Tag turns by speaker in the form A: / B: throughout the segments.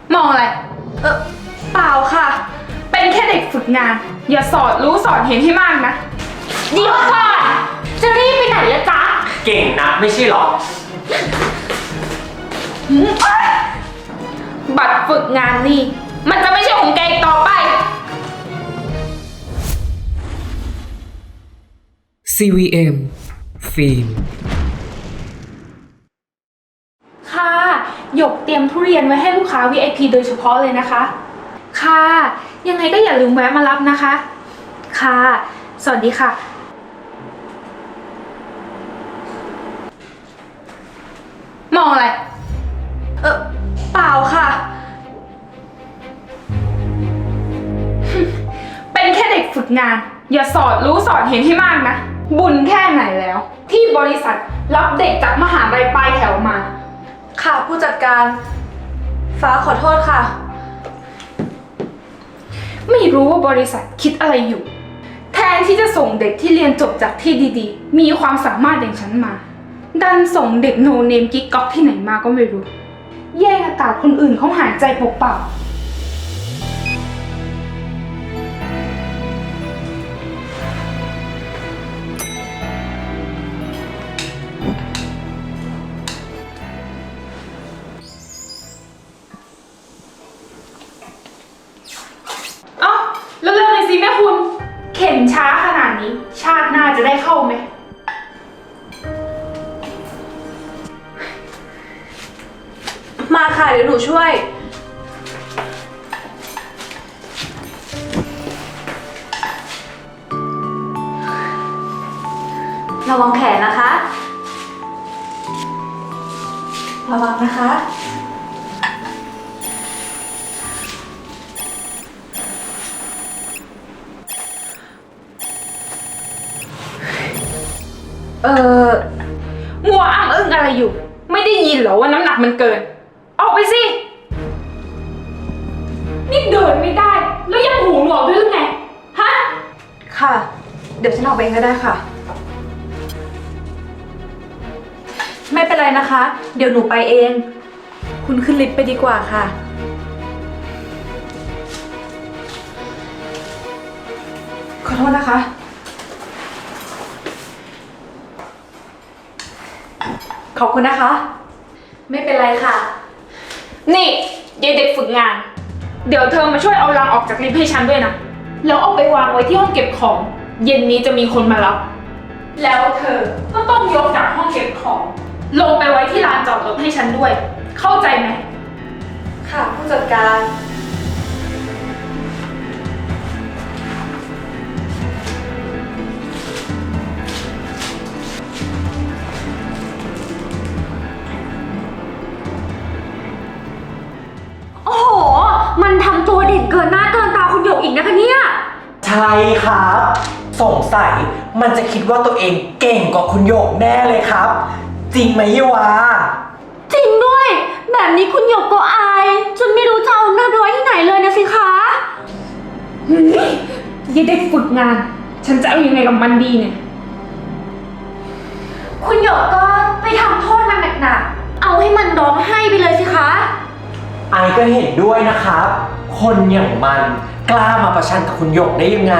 A: มองอะไรเปล่าค่ะเป็นแค่เด็กฝึกงานอย่าสอดรู้สอดเห็นให้มากนะเดี๋ยวก่อนจะรีบไปไหนละจ๊ะ
B: เก่งนักไม่ใช่หรอ
A: บัตรฝึกงานนี่มันจะไม่ใช่ของแกอีกต่อไป
C: CVM ฟิล์ม
A: ค่ะหยกเตรียมทุเรียนไว้ให้ลูกค้า VIP โดยเฉพาะเลยนะคะค่ะยังไงก็อย่าลืมแวะมารับนะคะค่ะสวัสดีค่ะมองอะไรเปล่าค่ะเป็นแค่เด็กฝึกงานอย่าสอดรู้สอดเห็นให้มากนะบุญแค่ไหนแล้วที่บริษัทรับเด็กจากมหาลัยปลายแถวมา
D: ค่ะผู้จัดการฟ้าขอโทษค่ะ
A: ไม่รู้ว่าบริษัทคิดอะไรอยู่แทนที่จะส่งเด็กที่เรียนจบจากที่ดีๆมีความสามารถอย่างฉันมาดันส่งเด็กโนเนมกิ๊กก๊อกที่ไหนมาก็ไม่รู้แย่งอากาศคนอื่นเขาหายใจเปล่าๆเอ้าเร็วๆหน่อยสิแม่คุณเข็นช้าขนาดนี้ชาติหน้าจะได้เข้าไหม
D: มาค่ะเดี๋ยวหนูช่วยระวังแขนนะคะระวังนะคะ
A: มัวอ้ำอึ้งอะไรอยู่ไม่ได้ยินเหรอว่าน้ำหนักมันเกินออกไปสินี่เดินไม่ได้แล้วยังหูหนวกด้วยหรือไงฮะ
D: ค่ะเดี๋ยวฉันออกไปเองก็ได้ค่ะไม่เป็นไรนะคะ เดี๋ยวหนูไปเองคุณขึ้นลิฟต์ไปดีกว่าค่ะขอโทษนะคะขอบคุณนะคะไม่เป็นไรค่ะ
A: นี่ยายเด็กฝึกงานเดี๋ยวเธอมาช่วยเอาลังออกจากลิฟต์ให้ฉันด้วยนะแล้วเอาไปวางไว้ที่ห้องเก็บของเย็นนี้จะมีคนมารับแล้วเธอก็ต้องยกจากห้องเก็บของลงไปไว้ที่ลานจอดรถให้ฉันด้วยเข้าใจไหม
D: ค่ะผู้จัดการ
E: โอ้โหมันทำตัวเด่นเกินหน้าเกินตาคุณหยกอีกนะคะเนี่ย
B: ใช่ครับสงสัยมันจะคิดว่าตัวเองเก่งกว่าคุณโยกแน่เลยครับ จริงไหมยี่วา
E: จริงด้วยแบบนี้คุณหยกก็อายจนไม่รู้จะเอาหน้าไปไว้ที่ไหนเลยนะสิคะ
A: ยายเด็กฝึกงานฉันจะเอายังไงกับมันดีเนี่ย
E: คุณหยกก็ไปทำโทษมันหนักๆเอาให้มันร้องไห้ไปเลยสิคะ
B: ไอก็เห็นด้วยนะครับคนอย่างมันกล้ามาประชันกับคุณโยกได้ยังไง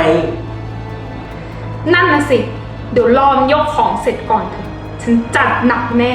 A: นั่นน่ะสิเดี๋ยวรอมยกของเสร็จก่อนเถอะฉันจัดหนักแน่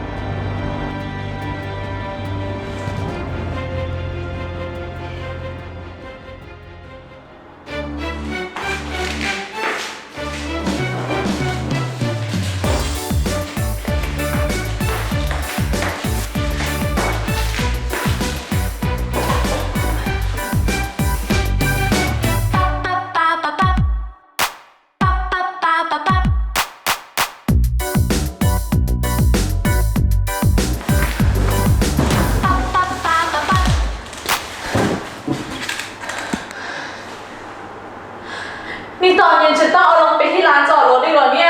D: นี่ตอนเย็นฉันต้องเอาลงไปที่ร้านจอดรถอีกเหรอเนี่ย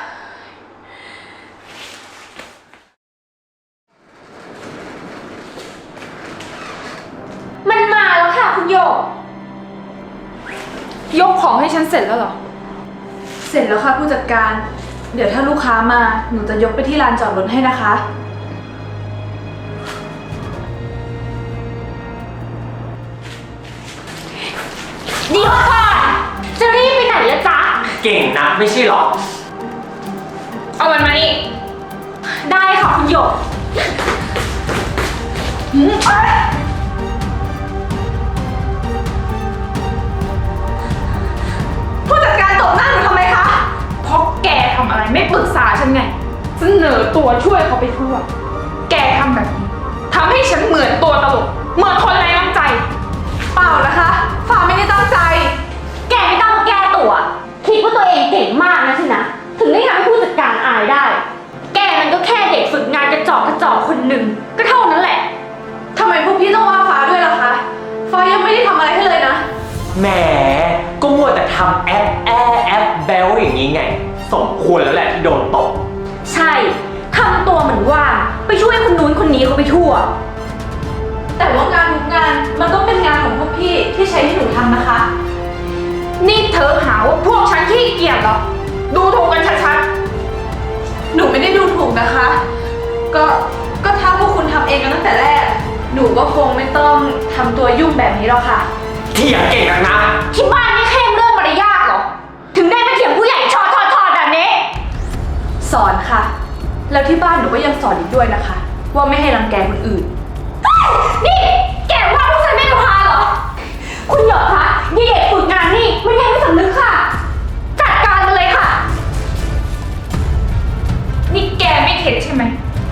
E: มันมาแล้วค่ะคุณหยก
A: ยกของให้ฉันเสร็จแล้วเหรอ
D: เสร็จแล้วค่ะผู้จัดการเดี๋ยวถ้าลูกค้ามาหนูจะยกไปที่ลานจอดรถให้นะคะ
E: เดี๋ยวก่อนจะรีบไปไหนละจ๊ะ
B: เก่งนะไม่ใช่หรอ
A: เอามันมานี่
E: ได้ค่ะคุณหยก
D: ผู้จัดการตบหน้าหนูทำไมคะ
A: เพราะแกทำอะไรไม่ปรึกษาฉันไง เสนอตัวช่วยเขาไปทั่ว แกทำแบบนี้ทำให้ฉันเหมือนตัวตลก เหมือนคนไร้น้ำใจ
D: เปล่านะคะฟ้าไม่ได้ตั้งใจ
E: แกไม่ต้องแก้ตัว คิดว่าตัวเองเก่งมากนะสินะ ถึงได้ทำให้ผู้จัดการอายได้ แกมันก็แค่เด็กฝึกงานกระจอกคนหนึ่งก็เท่านั้นแหละ
D: ทำไมพวกพี่ต้องว่าฟ้าด้วยล่ะคะ ฟ้ายังไม่ได้ทำอะไรให้เลยนะ
B: แหม ก็มัวแต่ทำแอปแบลอย่างนี้ไง สมควรแล้วแหละที่โดนตบ
E: ใช่ทำตัวเหมือนว่าไปช่วยคนนู้นคนนี้เขาไปทั่ว
D: แต่ว่างานทุกงานมันก็เป็นงานของพวกพี่ที่ใช้ให้หนูทำนะคะ
A: นี่เธอหาว่าพวกฉันขี้เกียจเหรอ ดูถูกกันชัด
D: หนูไม่ได้ดูถูกนะคะ ก็ถ้าพวกคุณทำเองกันตั้งแต่แรก หนูก็คงไม่ต้องทำตัวยุ่งแบบนี้หรอกค่ะ
B: เถียงเก่งนักนะ
E: ที่บ้านไม่เคร่งเรื่องมารยาทเหรอ ถึงได้ไปเถียงผู้ใหญ่ชอแบบนี้
D: สอนค่ะ แล้วที่บ้านหนูก็ยังสอนอีกด้วยนะคะ ว่าไม่ให้รังแกคนอื่น
E: นี่แกว่าพวกฉันไม่รู้พาเหรอ คุณหยกคะยี่เด็กฝึกงานนี่มันยังไม่สำนึกค่ะ จัดการมันเลยค่ะ
A: ๆ นี่แกไม่เข็ดใช่ไหม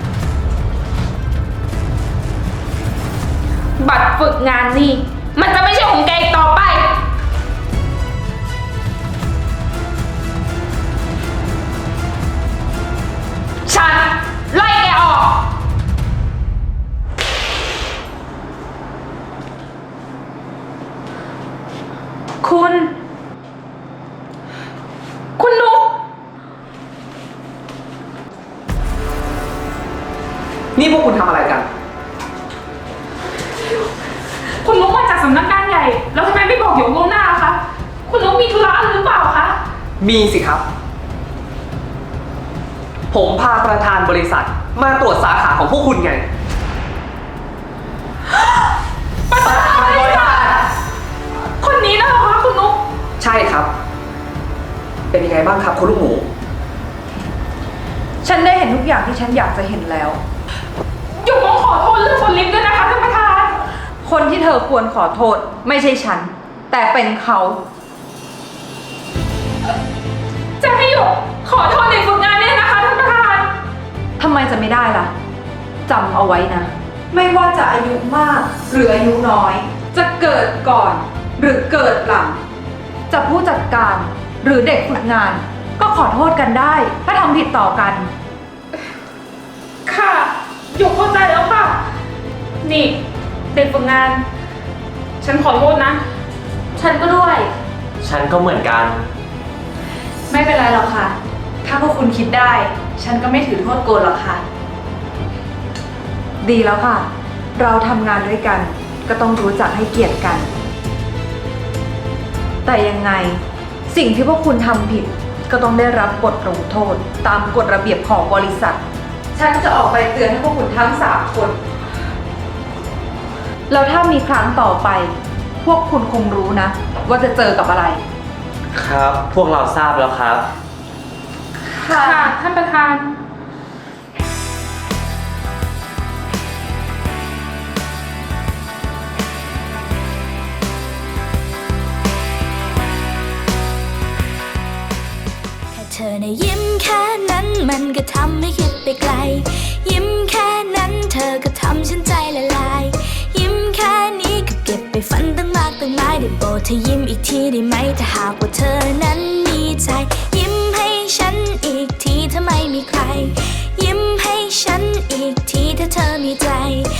A: บัตรฝึกงานนี่ มันจะไม่ใช่ของแกอีกต่อไป ฉันไล่แกออก
D: คุณ
A: คุณนุ๊ก
C: นี่พวกคุณทำอะไรกัน
A: คุณนุ๊กมาจากสำนักงานใหญ่ แล้วทำไมไม่บอกหยกล่วงหน้าล่ะคะ คุณนุ๊กมีธุระอะไรหรือเปล่าคะ
C: มีสิครับ ผมพาประธานบริษัทมาตรวจสาขาของพวกคุณไง
A: ประธานบริษัทคนนี้นะเหรอคะคุณนุ๊ก
C: ใช่ครับ เป็นยังไงบ้างครับคุณลูกหมู
D: ฉันได้เห็นทุกอย่างที่ฉันอยากจะเห็นแล้ว
A: หยกต้องขอโทษเรื่องคนลิฟต์ด้วยนะคะท่านประธาน
D: คนที่เธอควรขอโทษไม่ใช่ฉัน แต่เป็นเขา
A: จะให้หยกขอโทษเด็กฝึกงานเนี่ยนะคะท่านประธาน
D: ทำไมจะไม่ได้ล่ะ จำเอาไว้นะ ไม่ว่าจะอายุมากหรืออายุน้อย จะเกิดก่อนหรือเกิดหลัง จะผู้จัดการหรือเด็กฝึกงาน ก็ขอโทษกันได้ ถ้าทำผิดต่อกัน
A: ค่ะหยกเข้าใจแล้วค่ะ นี่เด็กฝึกงาน ฉันขอโทษนะ
E: ฉันก็ด้วย
B: ฉันก็เหมือนกัน
D: ไม่เป็นไรหรอกค่ะ ถ้าพวกคุณคิดได้ ฉันก็ไม่ถือโทษโกรธหรอกค่ะ ดีแล้วค่ะ เราทำงานด้วยกัน ก็ต้องรู้จักให้เกียรติกัน แต่ยังไงสิ่งที่พวกคุณทำผิด ก็ต้องได้รับบทลงโทษ ตามกฎระเบียบของบริษัท ฉันจะออกไปเตือนให้พวกคุณทั้ง3 คน แล้วถ้ามีครั้งต่อไป พวกคุณคงรู้นะ ว่าจะเจอกับอะไร
B: ครับ พวกเราทราบแล้วครับ
A: ค่ะท่านประธาน
F: แค่เธอในะยิ้มแค่นั้นมันก็ทำให้คิดไปไกล ยิ้มแค่นั้นเธอก็ทำฉันใจละลาย ยิ้มแค่นี้ก็เก็บไปฝันตั้งมากตั้งหลายได้โปรดเธอยิ้มอีกทีได้ไหมถ้าหากว่าเธอนั้นมีใจ ยิ้มให้ฉันอีกทีถ้าไม่มีใคร ยิ้มให้ฉันอีกทีถ้าเธอมีใจ